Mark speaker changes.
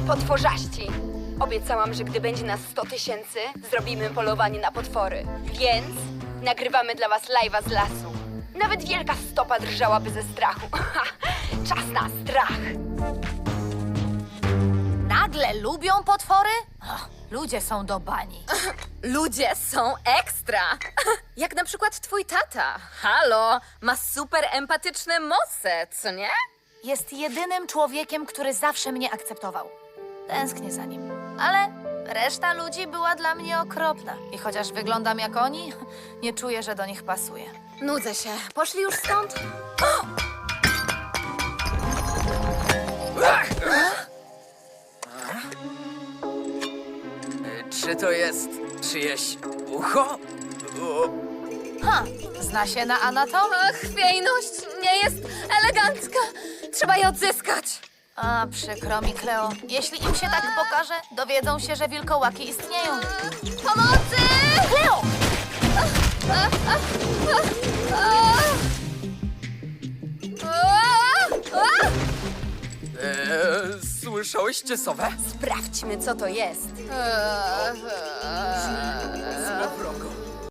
Speaker 1: Potworzaści! Obiecałam, że gdy będzie nas 100 000, zrobimy polowanie na potwory. Więc nagrywamy dla was live'a z lasu. Nawet wielka stopa drżałaby ze strachu. Czas na strach!
Speaker 2: Nagle lubią potwory? Och, ludzie są do bani.
Speaker 3: Ludzie są ekstra! Jak na przykład twój tata. Halo, ma super empatyczne moce, co nie?
Speaker 2: Jest jedynym człowiekiem, który zawsze mnie akceptował. Tęsknię za nim. Ale reszta ludzi była dla mnie okropna. I chociaż wyglądam jak oni, nie czuję, że do nich pasuję.
Speaker 3: Nudzę się. Poszli już stąd?
Speaker 4: Czy to jest czyjeś ucho?
Speaker 2: Ha, zna się na anatomii.
Speaker 3: Chwiejność nie jest elegancka. Trzeba je odzyskać.
Speaker 2: A, przykro mi, Kleo. Jeśli im się tak pokaże, dowiedzą się, że wilkołaki istnieją.
Speaker 3: Pomocy!
Speaker 2: Kleo!
Speaker 4: Słyszałyście sowę?
Speaker 1: Sprawdźmy, co to jest.
Speaker 4: Złowrogo.